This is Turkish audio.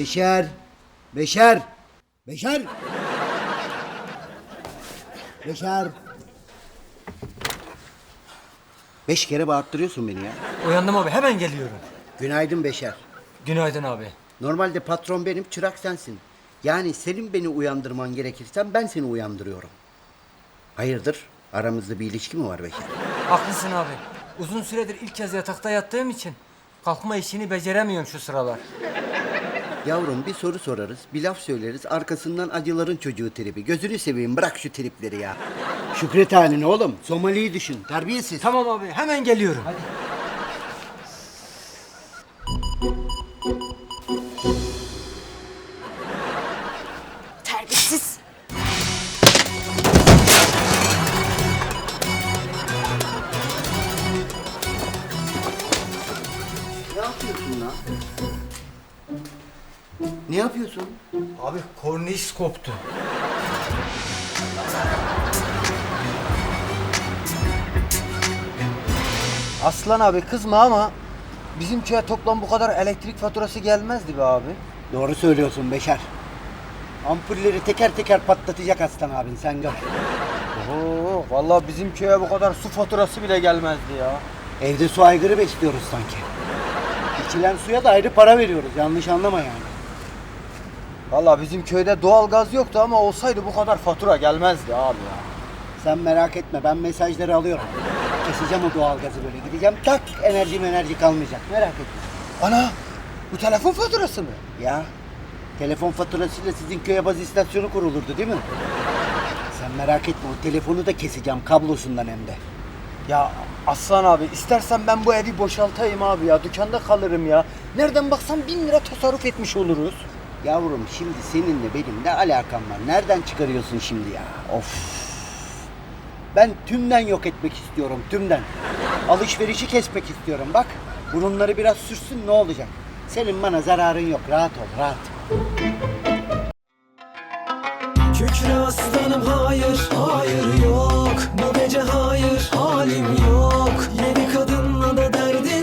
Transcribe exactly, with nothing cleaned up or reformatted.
Beşer. Beşer. Beşer. Beşer. Beş kere bağırttırıyorsun beni ya. Uyandım abi, hemen geliyorum. Günaydın Beşer. Günaydın abi. Normalde patron benim, çırak sensin. Yani senin beni uyandırman gerekirse ben seni uyandırıyorum. Hayırdır? Aramızda bir ilişki mi var Beşer? Haklısın abi. Uzun süredir ilk kez yatakta yattığım için kalkma işini beceremiyorum şu sıralar. Yavrum bir soru sorarız, bir laf söyleriz, arkasından acıların çocuğu tribi. Gözünü seveyim, bırak şu tripleri ya. Şükret haline oğlum, Somali'yi düşün, terbiyesiz. Tamam abi, hemen geliyorum. Hadi. Terbiyesiz. Ne yapıyorsun lan? Ne yapıyorsun? Abi korniş koptu. Aslan abi kızma ama bizim köye toplam bu kadar elektrik faturası gelmezdi be abi. Doğru söylüyorsun Beşer. Ampulleri teker teker patlatacak aslan abin, sen gör. Oo, vallahi bizim köye bu kadar su faturası bile gelmezdi ya. Evde su aygırı besliyoruz sanki. İçilen suya da ayrı para veriyoruz, yanlış anlama yani. Vallahi bizim köyde doğalgaz yoktu ama olsaydı bu kadar fatura gelmezdi abi ya. Sen merak etme, ben mesajları alıyorum. Keseceğim o doğalgazı böyle, gideceğim tak, enerji enerji kalmayacak, merak etme. Ana, bu telefon faturası mı? Ya, telefon faturasıyla sizin köye baz istasyonu kurulurdu değil mi? Sen merak etme, o telefonu da keseceğim kablosundan hem de. Ya Aslan abi istersen ben bu evi boşaltayım abi ya. Dükkanda kalırım ya. Nereden baksan bin lira tasarruf etmiş oluruz. Yavrum şimdi seninle benim ne alakam var? Nereden çıkarıyorsun şimdi ya? Of. Ben tümden yok etmek istiyorum, tümden. Alışverişi kesmek istiyorum. Bak, burunları biraz sürsün, ne olacak? Senin bana zararın yok, rahat ol, rahat. Kükre aslanım hayır, hayır yok. Bu gece hayır, halim yok. Yedi kadınla da derdim